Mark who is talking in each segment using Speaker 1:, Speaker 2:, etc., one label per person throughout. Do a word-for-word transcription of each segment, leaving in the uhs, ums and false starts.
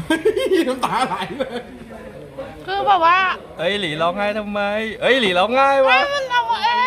Speaker 1: น้ำตาไหลเลย
Speaker 2: คือแบบว่า
Speaker 3: เอ้ยหลีร้องไห้ทำไมเอ้ยหลีร้องไห้วะ
Speaker 2: มันเอาเอง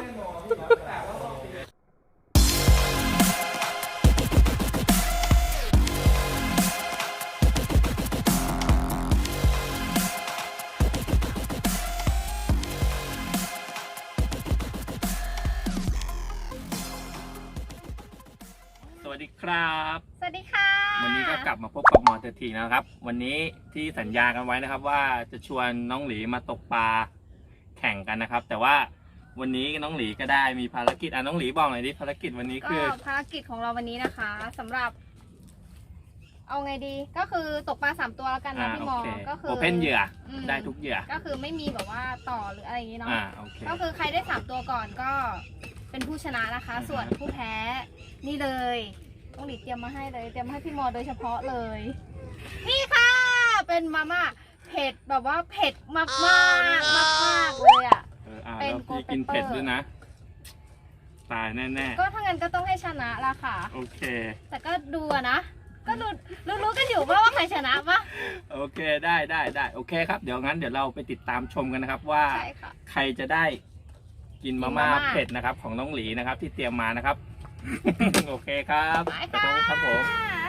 Speaker 3: สวัสดีครับ
Speaker 2: สวัสดีค่ะ
Speaker 3: วันนี้ก็กลับมาพบกับหมอเตอร์ทีนะครับ วันนี้ที่สัญญากันไว้นะครับว่าจะชวนน้องหลีมาตกปลาแข่งกันนะครับ แต่ว่าวันนี้น้องหลีก็ได้มีภารกิจอ่ะน้องหลีบอกหน่อยดิภารกิจวันนี้
Speaker 2: ก็
Speaker 3: คือ
Speaker 2: ภารกิจของเราวันนี้นะคะสำหรับ เอาไงดีก็คือตกปลาสามตัวแล้วกันนะ
Speaker 3: อ่า
Speaker 2: พี่
Speaker 3: โอ
Speaker 2: มอ
Speaker 3: เค
Speaker 2: ก็คือ
Speaker 3: โอเพนเหยื่ออ
Speaker 2: ม
Speaker 3: ได้ทุกเหยื่อ
Speaker 2: ก็คือไม่มีแบบว่าต่อหรืออะไรอย่างนี้เนาะ
Speaker 3: อ่าโอเค
Speaker 2: ก็คือใครได้สามตัวก่อนก็เป็นผู้ชนะนะคะ
Speaker 3: อ่าฮะ
Speaker 2: ส่วนผู้แพ้นี่เลยต้องหลีเตรียมมาให้เลย เตรียมมาให้พี่มอโดยเฉพาะเลย นี่ค่ะ เป็นมาม่าเผ็ดแบบว่าเผ็ดมากมากมากมากๆเลยอ่ะ
Speaker 3: เอออ่า
Speaker 2: เป็น
Speaker 3: แล้วพี่
Speaker 2: โกลเด้น
Speaker 3: กินเผ็ด
Speaker 2: เปอร์
Speaker 3: ด้วยนะตายแน่
Speaker 2: ก็ถ้างั้นก็ต้องให้ชนะละค่ะ
Speaker 3: ๆโอเค
Speaker 2: แต่ก็ดูอะนะ ก็รู้รู้รู้กันอยู่ว่าว่าใครชนะปะ
Speaker 3: โอเคได้ได้ได้โอเคครับเดี๋ยวงั้นเดี๋ยวเราไปติดตามชมกันนะครับว่า
Speaker 2: ใช่ค่ะ
Speaker 3: ใครจะได้กินมาม่า
Speaker 2: กินมาม่า
Speaker 3: เผ็ดนะครับของน้องหลีนะครับที่เตรียมมานะครับ โอเคครับ
Speaker 2: ไป
Speaker 3: ครับ
Speaker 2: ค่ะ
Speaker 3: ผมครับผม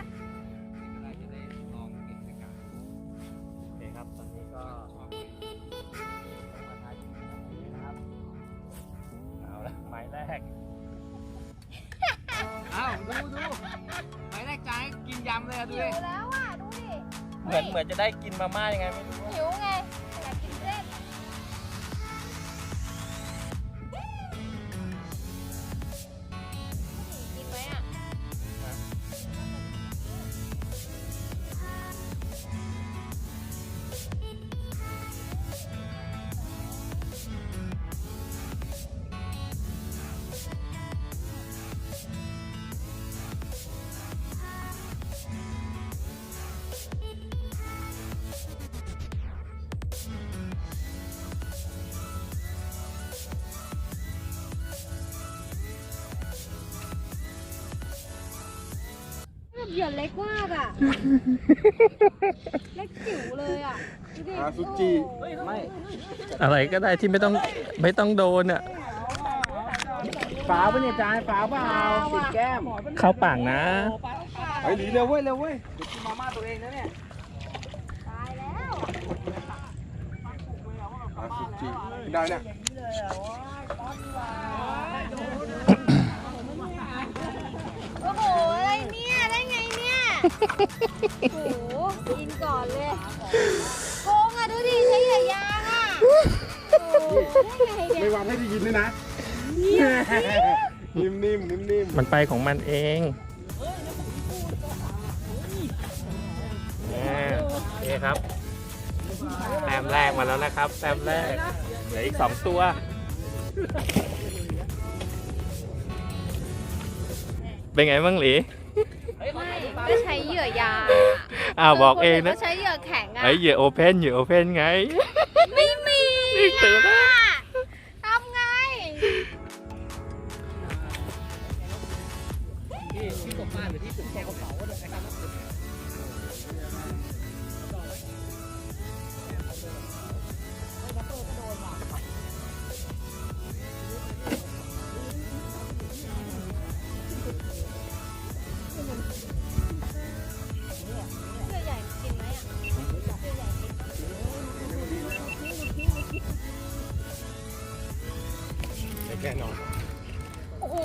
Speaker 3: โอเคครับตอนนี้ก็เอาละไม้แรก
Speaker 1: อ้าวดูดูหมายแรกจานกินยำเลยอะดู
Speaker 2: หิ
Speaker 1: ดิ
Speaker 2: วแล้วอ่ะ ดูดิ
Speaker 3: เหมือนเหมือนจะได้กินมาม่ายังไงไม่รู้
Speaker 2: หิวไง อยากกินเส้นกินไหมอ่ะ เหยื่อเล็กมากอ่ะ เล็กจิ๋วเลยอ่ะดูดิ
Speaker 1: อาซูจิ
Speaker 2: โอ้โห
Speaker 1: ไม่
Speaker 3: อะไรก็ได้ที่ไม่ต้องไม่ต้องโดนอ่ะ
Speaker 1: ฝาปะเนี่ยจานฝาเปล่าติดแก้ม
Speaker 3: เข้าปากนะ
Speaker 1: ไอ้หลีเร็วเว้ยเร็วเว้ยเดี๋ยวกินมาม่าตัวเองนะเนี่ย
Speaker 2: ตายแล้ว
Speaker 1: อาซูจิได้เนี่ย
Speaker 2: โอ้โห อะไรเนี่ย ได้ไงเนี่ย โอ้โห กินก่อนเลยโกงอ่ะ ดูดิ ใช้เหยื่อยางอ่ะ โอ้โหได้ไงเนี่
Speaker 1: ไม่
Speaker 2: ยว
Speaker 1: างให้ได้ยินด้วยนะนิ่มนิ่มนิ่มนิ่ม
Speaker 3: มันไปของมันเองเนี่ยโอเคครับแต้มแรกมาแล้วนะครับแต้มแรกเหลืออีกสองตัวเป็นไงบ้างหลี
Speaker 2: ไม่ก็ใช้เหยื่อยาง
Speaker 3: อ้าวบอกเองนะ
Speaker 2: ก็ใช้เหยื่อแข็งอ่ะ
Speaker 3: ไอ้เหยื่อโอเพนเหยื่อโอเพนไง
Speaker 2: ไม่มี
Speaker 3: นี่ตื่นแล้ว
Speaker 2: ทำไง เหยื่อใหญ่กินไหมอ่ะเหยื่อใหญ่กิน
Speaker 1: แน่นอน
Speaker 2: โอ้โห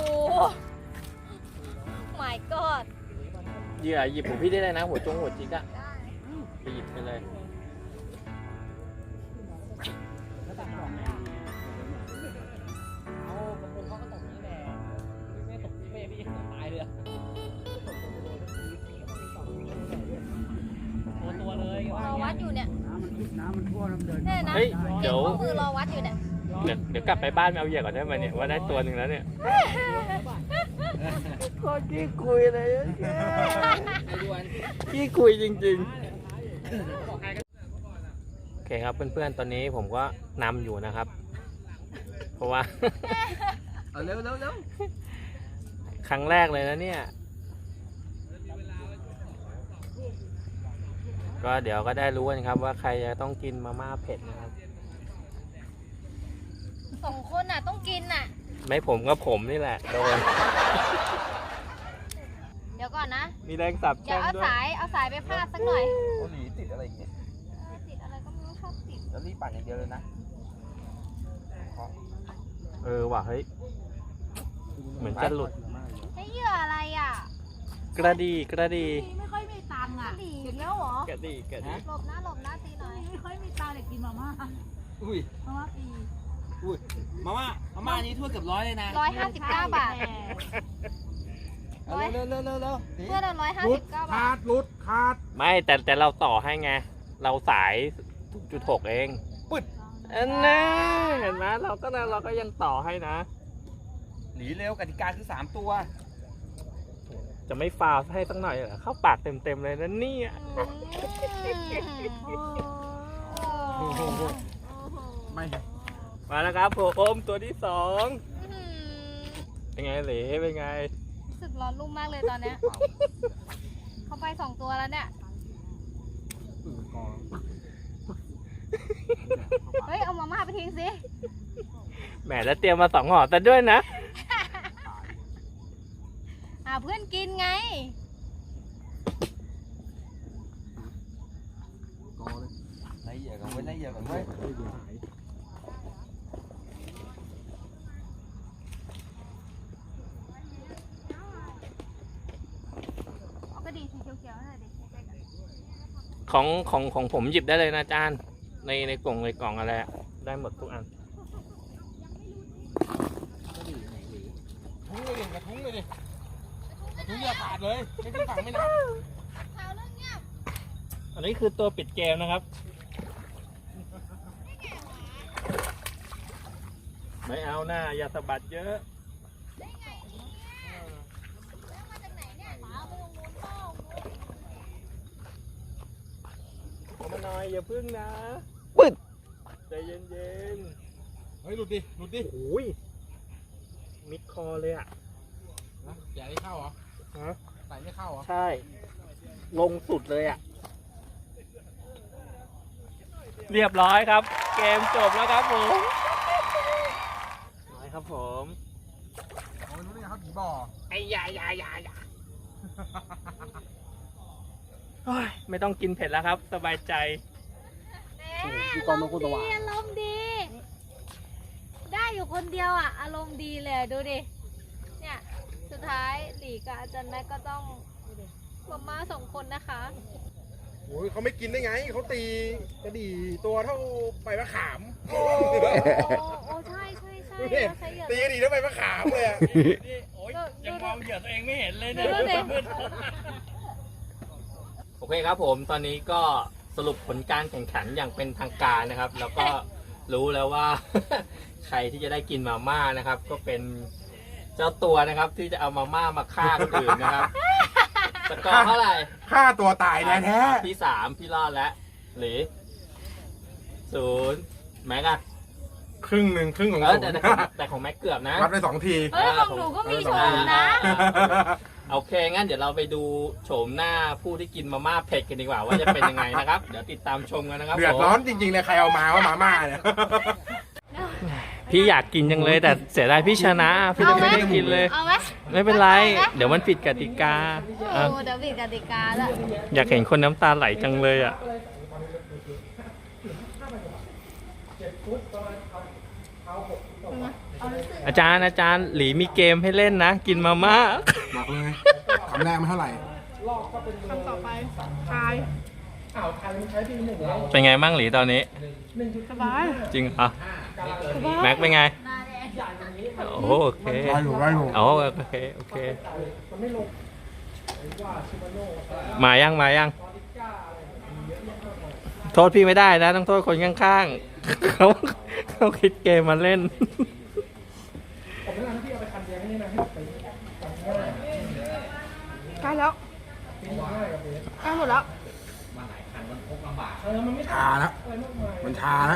Speaker 2: my god
Speaker 3: เหยื่อหยิบของพี่ได้เลยนะหัวจงหัวจิกอะไปหยิบไปเลย
Speaker 2: รอวัดอยู่เนี่ย
Speaker 1: น้ำมันท่วมน้ำเดิน
Speaker 2: เนี่ยนะ
Speaker 3: เฮ้ยเดี๋ยว
Speaker 2: มือรอวัดอยู่เนี่ย
Speaker 3: เดี๋ยวเดี๋ยวกลับไปบ้านไปเอาเหยื่อก่อนได้ไหมเนี่ยว่าได้ตัวหนึ่งแล้วเนี่ยโคตรขี้คุยเลยขี้คุยจริงๆโอเคครับเพื่อนๆตอนนี้ผมก็นำอยู่นะครับ เพราะว่า
Speaker 1: เอาเร็วเร็วเร็ว
Speaker 3: ครั้งแรกเลยนะเนี่ยก็เดี๋ยวก็ได้รู้กันครับว่าใครจะต้องกินมาม่าเผ็ดนะครับ
Speaker 2: สองคนน่ะต้องกินน่ะ
Speaker 3: ไม่ผมก็ผมนี่แหละโดน
Speaker 2: เดี๋ยวก่อนนะ
Speaker 3: มีแรงสับ
Speaker 2: เดี๋
Speaker 3: แช่
Speaker 2: ยว
Speaker 3: ง
Speaker 2: เอา
Speaker 3: ด้วย
Speaker 2: สายเอาสายไปพาดสักหน่อย
Speaker 1: เกาหลีติดอะไรอย่างเงี้ย
Speaker 2: เออติดอะไรก็ไม่รู้ชอบติด
Speaker 1: แล้วรีบปั่นอย่างเดียวเลยนะ
Speaker 3: เออว่ะเฮ้ย เหมือนจะหลุด
Speaker 2: ใช้เหยื่ออะไรอ่ะ
Speaker 3: กระดีกระดี
Speaker 4: ไม่ค่อยมีตังค์อ่ะ
Speaker 2: ดีอีกแล้วเหรอก
Speaker 3: ระดีกระดี
Speaker 2: หลบหน้าหลบหน้าตีหน่อย
Speaker 4: ไม่ค่อยมีตังค์เด็กกินมาม่า
Speaker 1: อุ้ย
Speaker 4: มาม่าปี
Speaker 1: อุ้ย มาม่า มาม่านี้ถ้วยเกือบร้อยเลยนะ
Speaker 2: ร้อยห้าสิบเก้าบาท
Speaker 1: เอาเร็วเร็วเร็วเร็ว
Speaker 2: เพื่อนเราร้อยห้าสิบเก้าบาท
Speaker 1: รุดขาด
Speaker 3: ไม่แต่แต่เราต่อให้ไง เราสาย จุดหก เอง
Speaker 1: ปึ๊ด
Speaker 3: อันนั้นเห็นไหมเราก็เราก็ยังต่อให้นะ
Speaker 1: หนีเร็วกติกาคือสามตัว
Speaker 3: จะไม่ฟาวล์ให้สักหน่อยเหรอเข้าปากเต็มๆเลยนะเนี่ย
Speaker 2: อืม
Speaker 1: ไม่
Speaker 3: มาแล้วครับผมตัวที่สอง
Speaker 2: อืม
Speaker 3: เป็นไงเหลเป็นไง
Speaker 2: รู้สึกร้อนรุ่มมากเลยตอนเนี้ยเขาไปสองตัวแล้วเนี่ย เฮ้ย เอามาม่าไปทิ้งสิ
Speaker 3: แหมแล้วเตรียมมาสองห่อแต่ด้วยนะ
Speaker 2: อ่าเพื่อนกินไง
Speaker 1: ไล่เหยื่อก่อนไว้ไล่เหยื่อก่อนไว้
Speaker 2: เอากระดิ่งสีเขียวๆหน่อยดิใกล้ๆกัน
Speaker 3: ของของของผมหยิบได้เลยนะอาจารย์ในในกล่องในกล่องอะไรอะได้หมดทุกอัน
Speaker 1: ทุ้งเลยดิกระทุ้งเลยดิกระทุ้งอย่าขาดเลย ไม่ขึ้นฝั่งไม่นับ
Speaker 2: ข่าวเรื่องเงียบ
Speaker 3: อันนี้คือตัวปิดเกมนะครับ ไม่เอาหน้าอย่าสะบัดเยอะ
Speaker 2: ได้ไงเนี่ยแล้วมาจากไหนเนี่ยหมาไปตรงนู้นเปล่า
Speaker 3: เอามาหน่อยอย่าพึ่งนะ
Speaker 1: ปึ๊ด
Speaker 3: ใจเย็น
Speaker 1: เฮ้ยหลุดดิ หลุดดิ
Speaker 3: ๆโอ้ยมิดคอเลยอ่ะ
Speaker 1: นะอย่าให้เข้าเหรอ
Speaker 3: ฮะ
Speaker 1: ใส่ไม่เข้าเหรอ
Speaker 3: ใช่ ลงสุดเลยอ่ะ เรียบร้อยครับ เกมจบแล้วครับผมน้อยครับผม
Speaker 1: โอ้ยรู้ได้ไงครับผีบ่อ
Speaker 3: ไอ้ยายายายาโอ้ยไม่ต้องกินเผ็ดแล้วครับ สบายใจ
Speaker 1: พี่กองนกกุตวา
Speaker 2: อารมณ์ดี ได้อยู่คนเดียวอ่ะ อารมณ์ดีเลยดูดิ เนี่ย สุดท้ายหลีกับอาจารย์แม็กก็ต้องมาม่าสองคนนะคะ
Speaker 5: โอ้ยเขาไม่กินได้ไง เขาตีกระดี่ตัวเท่าใบมะขาม
Speaker 2: โอ้โอ้ใช่ใช่ใช่
Speaker 5: ดูดิ
Speaker 2: เราใช้เหยื่อ
Speaker 5: ตีกระดี่เท่าใบมะขามเลยอะ
Speaker 3: โอ้ยยังมองเหยื่อตัวเองไม่เห็นเลยเนี่ย
Speaker 2: ดูดิ
Speaker 3: โอเคครับผมตอนนี้ก็สรุปผลการแข่งขันอย่างเป็นทางการนะครับ แล้วก็รู้แล้วว่า ใครที่จะได้กินมาม่านะครับ ก็เป็นเจ้าตัวนะครับ ที่จะเอามาม่ามาฆ่าคนอื่นนะครับสกอร์เท่าไหร่
Speaker 5: ฆ่าตัวตายแท้แท้
Speaker 3: พี่สามพี่รอดแล้วหรือศูนย์แม็กอะ
Speaker 5: ครึ่งหนึ่งครึ่งของ
Speaker 3: เอ
Speaker 5: ผ
Speaker 3: อ
Speaker 5: ม
Speaker 3: แต่แต่ของแต่ของแม็กเกือบนะ
Speaker 5: รับได้สองที
Speaker 2: เฮ้ยของหนูก็มีโชว์นะ
Speaker 3: โอเคงั้นเดี๋ยวเราไปดูโฉมหน้าผู้ที่กินมาม่าเผ็ดกันดีกว่าว่าจะเป็นยังไงนะครับ เดี๋ยวติดตามชมกันนะครับ
Speaker 5: เดือด
Speaker 3: ผม
Speaker 5: ร้อนจริงๆเลยใครเอามาว่ามาม่าเนี่ย
Speaker 3: พี่อยากกินจังเลยแต่เสียดายพี่ชนะ พี่จะไม่ได้กินเลย
Speaker 2: เอาไหม
Speaker 3: ไม่เป็นไร เดี๋ยวมันผิดกติกา
Speaker 2: โอ้
Speaker 3: อ่ะ
Speaker 2: เดี๋ยวผิดกติกาแล้ว
Speaker 3: อยากเห็นคนน้ำตาไหลจังเลยอ่ะ อาจารย์อาจารย์หลีมีเกมให้เล่นนะ กินมาม่า
Speaker 5: บอกเลยคำแรกมันเท่าไหร่
Speaker 4: คำต่อไปทาย
Speaker 3: เป็นไงบ้างหลีตอนนี้
Speaker 4: สบาย
Speaker 3: จริงเหรอแม็กเป็นไง โอ้โอเค
Speaker 5: ได้อยู่ได้อยู่
Speaker 3: โอ้โอเคโอเค มายังมายัง โทษพี่ไม่ได้นะ ต้องโทษคนข้างๆ เขาเขาคิดเกมมาเล่น
Speaker 4: ใกล้แล้วใกล้หมดแล้ว
Speaker 5: ชาแล้วมันชาแล้ว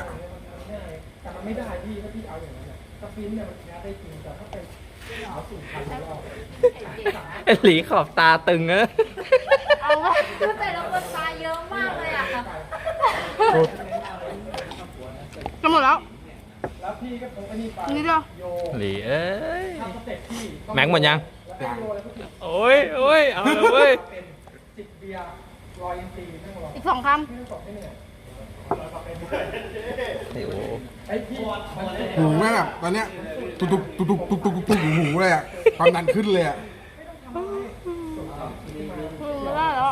Speaker 3: ไอ้หลีขอบตาตึงอะ
Speaker 2: เอาวะคือแต่ละคนตายเยอะมากเลยอ่ะ
Speaker 5: สุด
Speaker 4: จะหมดแล้วนี่เดียว
Speaker 3: หลีเอ้ยแม็กหมดยังโอ้ยโอ้ยเอาเลยเว้ย
Speaker 4: อีกสองค
Speaker 3: โอ้โห
Speaker 5: หูแม่งแบบตอนเนี้ยตุกตุกตุกตุกตุกตุกตุกตุกหูเลยอ่ะความดันขึ้นเลยอ่ะ
Speaker 4: ำคือได้แล้ว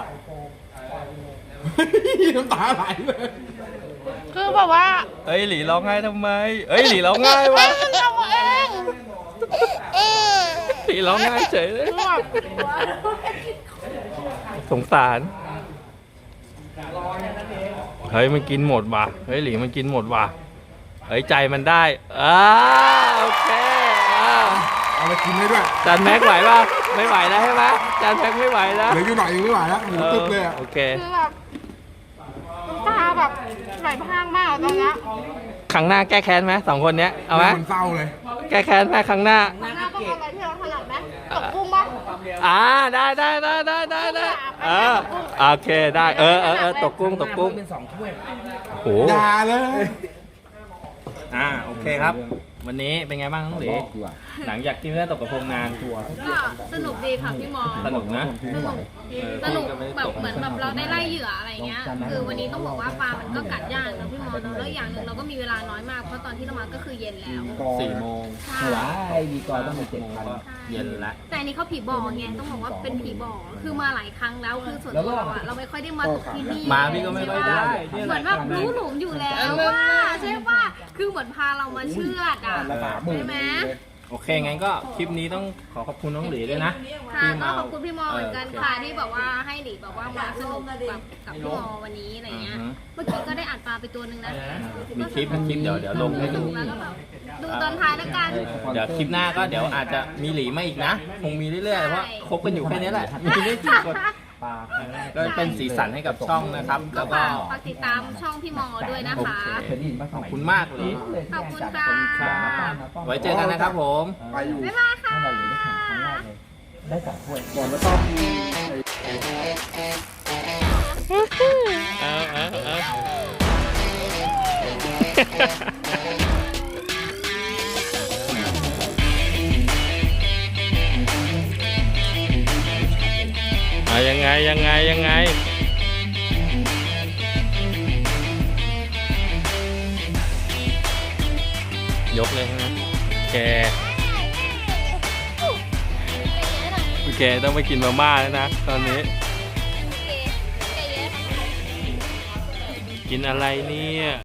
Speaker 5: น้ำตาไหลเลย
Speaker 4: คือแบบว่า
Speaker 3: เอ้ยหลีร้องไห้ทำไมเอ้ยหลีร้องไห้วะ
Speaker 4: มันทำเองเออ
Speaker 3: หลีร้องไห้เฉยเลย
Speaker 4: คือแบบ
Speaker 3: สงสารเฮ้ยมันกินหมดว่ะเฮ้ยหลีมันกินหมดว่ะเฮ้ยใจมันได้อ่าโอเคอ่า
Speaker 5: เอาไปกินได้ด้วย
Speaker 3: จานแม็กไหวป่ะไม่ไหวแล้วใช่ไหมจานแม็กไม่ไหวแล้ว
Speaker 5: เหลืออยู่หน่อยยังไม่ไหวแล้วหูตึ๊บเลยอ่ะ
Speaker 3: โอเค
Speaker 4: คือแบบน้ำตาแบบไหลพรางมากตอนเนี้ย
Speaker 3: ครั้งหน้าแก้แค้นไหมสองคนเนี้ยเอาไหม
Speaker 5: มันเศร้าเลย
Speaker 3: แก้แค้นไหมครั้งหน้า
Speaker 4: ข้างหน้าต้องเอาอะไรที่เราถนัดไหมตกกุ้งปะ
Speaker 3: อ่าได้ได้ได้ได้ได้ได้เออโอเคได้เออเออเออตกกุ้งตกกุ้งเป็นสองถ้วยโอ้
Speaker 5: อย่าเลย
Speaker 3: อ่าโอเคครับ วันนี้เป็นไงบ้างน้องหลีหลังจากที่ไม่ได้ตกกระพงนาน
Speaker 2: ก็สนุกดีค่ะพี่มอ
Speaker 3: สนุกนะ
Speaker 2: สนุก
Speaker 3: เออ
Speaker 2: สนุก
Speaker 3: พี่ไม่ได้
Speaker 2: แบบ
Speaker 3: ตก
Speaker 2: เหมือนแบบเราได้ไล่เหยื่ออะไรเงี้ย คือวันนี้ต้องบอกว่าปลา มันก็กัดยากนะพี่มอเนอะแล้วอย่างหนึ่งเราก็มีเวลาน้อยมาก เพราะตอนที่เรามาก็คือเย็นแล้ว
Speaker 3: สี่โมง
Speaker 2: ใช่
Speaker 3: ดีกว่าต้องมาเจ็ดพันเย็นแล้ว
Speaker 2: แต่อันนี้เขาผีบ่อไงต้องบอกว่าเป็นผีบ่อ คือมาหลายครั้งแล้ว คือส่วนตัวเราอะเราไม่ค่อยได้มาตกที่นี่
Speaker 3: มาพี่ก็ไม่ค่อยได้
Speaker 2: เหมือนแบบรู้หลุมอยู่แล้วว่าใช่ป่ะ คือเหมือนพาเรามาเชือดอ่ะใช่ไหม
Speaker 3: โอเคงั้นก็คลิปนี้ต้องขอขอบคุณน้องหลีด้วยนะ
Speaker 2: ค่ะ
Speaker 3: ที่
Speaker 2: ก็
Speaker 3: มา
Speaker 2: ขอบคุณพี่มอเหมือนกันค่ะที่แบบว่าให้หลีแบบว่ามาสนุกแบบกับพี่มอวันนี้อะไรเงี้ย เมื่อกี้ก็ได้อัดปลาไปตัวหนึ่งนะ
Speaker 3: มีคลิปมีคลิปเดี๋ยวเดี๋ยวลงให้ดู
Speaker 2: แล้วก็แบบดูตอนท้ายแล้วกัน
Speaker 3: เดี๋ยวคลิปหน้าก็เดี๋ยวอาจจะมีหลีมาอีกนะ คงมีเรื่อยๆเพราะคบกันอยู่แค่นี้แหละ มีไม่กี่คนก็เป็นสีสันให้กับช่องนะครับ
Speaker 2: ก็
Speaker 3: แล้วก็
Speaker 2: ฝากฝากติดตามช่องพี่มอด้วยนะ
Speaker 3: โอ
Speaker 2: คะ
Speaker 3: เคขอบคุณมากหลี
Speaker 2: ขอบคุณค่ะ
Speaker 3: ไว้เจอกันนะครับผม
Speaker 5: ไปอยู่
Speaker 2: บ๊ายบายค่ะ
Speaker 3: เอาเอาเอาเอายังไงยังไงยังไง ยกเลยใช่ไหมแกแกต้องไปกินมาม่าแล้วนะตอนนี้ กินอะไรเนี่ย